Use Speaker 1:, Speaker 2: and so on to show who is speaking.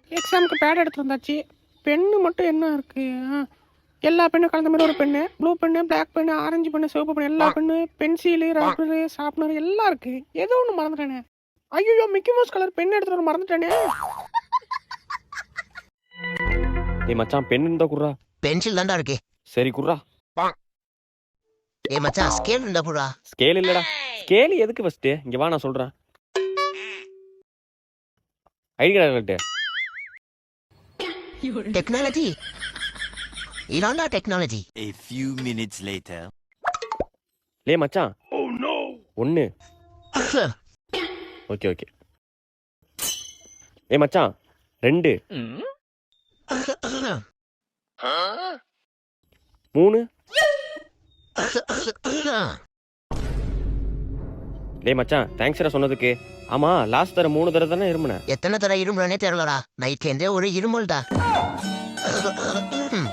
Speaker 1: எக்ஸாமுக்கு பேட் எடுத்து வந்தாச்சு. பென்னு மட்டும் என்ன இருக்கு? எல்லா பெண்ணும் கலந்த மாதிரி ஒரு பெண்ணு, ப்ளூ பெண்ணு, பிளாக் பெண்ணு, ஆரஞ்சு பெண்ணு, சிவப்பு பெண்ணு, எல்லா பெண்ணு, பென்சிலு, ரப்பரு, ஷார்ப்னர் எல்லாம் இருக்கு. ஏதோ ஒன்று மறந்துட்டேனே. ஐயோ, மிக்கி மவுஸ் கலர் பென் எடுத்துட்டு வர மறந்துட்டேனே.
Speaker 2: டேய் மச்சான், பென் இருந்தா குர்ரா.
Speaker 3: பென்சில் தான்டா இருக்கு.
Speaker 2: சரி குர்ரா.
Speaker 3: ஏய் மச்சான், ஸ்கேல் இருந்தா போடா.
Speaker 2: ஸ்கேல் இல்லடா. ஸ்கேல் எதுக்கு ஃபர்ஸ்ட்? இங்க வா, நான் சொல்றேன். ID card.
Speaker 3: டெக்னாலஜி இதான்டா technology.
Speaker 4: A few minutes later.
Speaker 2: லே மச்சான். Oh no. 1. Okay okay. ஏய் மச்சான் 2. 3. லே மச்சான், தேங்க்ஸ்டா சொன்னதுக்கு. ஆமா, லாஸ்ட் தர 3 தடவை தானே இருமுன.
Speaker 3: எத்தனை தடவை இருமுறனே தெரியலடா. நைட்லேருந்தே ஒரு இருமல்டா.